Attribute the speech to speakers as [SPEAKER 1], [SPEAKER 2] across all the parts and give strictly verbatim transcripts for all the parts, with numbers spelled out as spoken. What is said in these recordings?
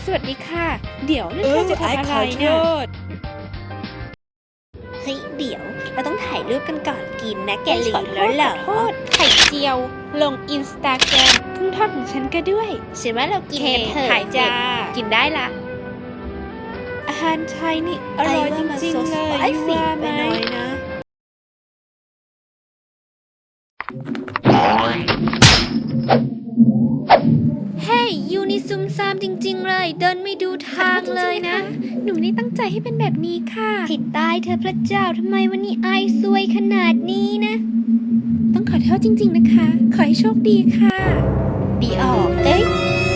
[SPEAKER 1] สวัสดีค่ะเดี๋ยวนั่นเธอจะทำอะไรเนี่ย
[SPEAKER 2] เฮ้ยเดี๋ยวเราต้องถ่ายรูปกันก่อนกินนะแกลืมแล้วเหรอ
[SPEAKER 1] โทษไข่เจียวลงอินสตาแกรมกุ้งทอดของฉันก็ด้วย
[SPEAKER 2] ฉันว่าเรากินกันเถอะ
[SPEAKER 1] ถ่ายจ้ากินได้ละอาหารไทยนี่อร่อยจริงๆเลยยูว่าไหมนะเฮ้ยยูนี่ซุ่มซ่ามจริงๆเลยเดินไม่ดูทางเลยนะหนูไม่ได้ตั้งใจให้เป็นแบบนี้ค่ะ
[SPEAKER 2] ผิดตายเธอพระเจ้าทำไมวันนี้ไอซวยขนาดนี้นะ
[SPEAKER 1] ต้องขอโทษจริงๆนะคะขอให้โชคดีค่ะดีออกเอ้ย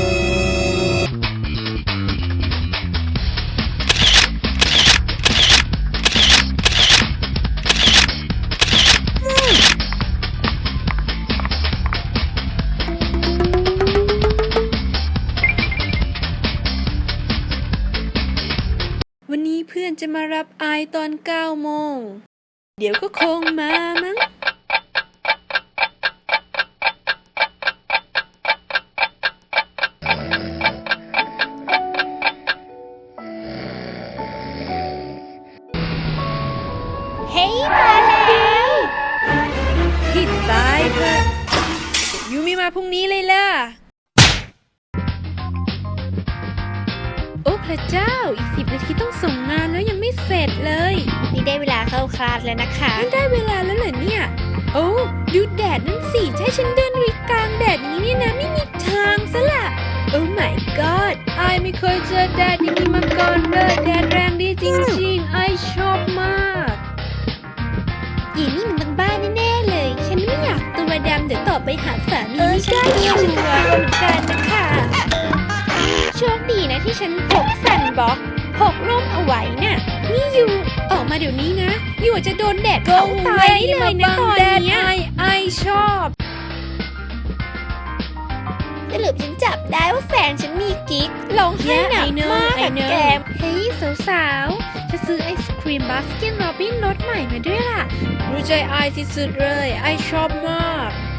[SPEAKER 1] วันนี้เพื่อนจะมารับไอตอนเก้าโมงเดี๋ยวก็คงมามั้ง
[SPEAKER 2] เฮ้ยมาแล้ว
[SPEAKER 1] ผิดตายเถอะยูมีมาพรุ่งนี้เลยล่ะโอ้พระเจ้าอีกสิบนาทีต้องส่งงานแล้วยังไม่เสร็จเลย
[SPEAKER 2] นี่ได้เวลาเข้าคลาสแล้วนะคะ
[SPEAKER 1] นี่ได้เวลาแล้วเหรอเนี่ยโอ้ดูแดดนั่นสิใช่ฉันเดินวิกลางแดดอย่างนี้เนี่ยนะไม่มีทางซะละโอ้ my god ไอไม่เคยเจอแดดอย่างนี้มาก่อนเลยแดดแรงดีจริงๆไอชอบมาก
[SPEAKER 2] ยีนี่มันบ้าๆแน่ๆเลยฉันไม่อยากตัวดำเดี๋ยวต่อไปหาสามี
[SPEAKER 1] เออ
[SPEAKER 2] ไม่ได้
[SPEAKER 1] ใช่
[SPEAKER 2] ฉันก็กลัวเหมือนกันนะคะโชคดีนะที่ฉันพกซันบล็อกพกร่มเอาไว้น่ะ
[SPEAKER 1] นี่ยูออกมาเดี๋ยวนี้นะยูจะโดนแดดเผาตายได้เลยนะตอนเนี้ยไอไอชอบ
[SPEAKER 2] สรุปฉันจับได้ว่าแฟนฉันมีกิ๊กร้องไห้หนักมากอะแกม
[SPEAKER 1] เฮ้ยสาวๆจะซื้อไอศครีมบาสเกตโรบินรสใหม่มาด้วยล่ะรู้ใจไอที่สุดเลยไอชอบมาก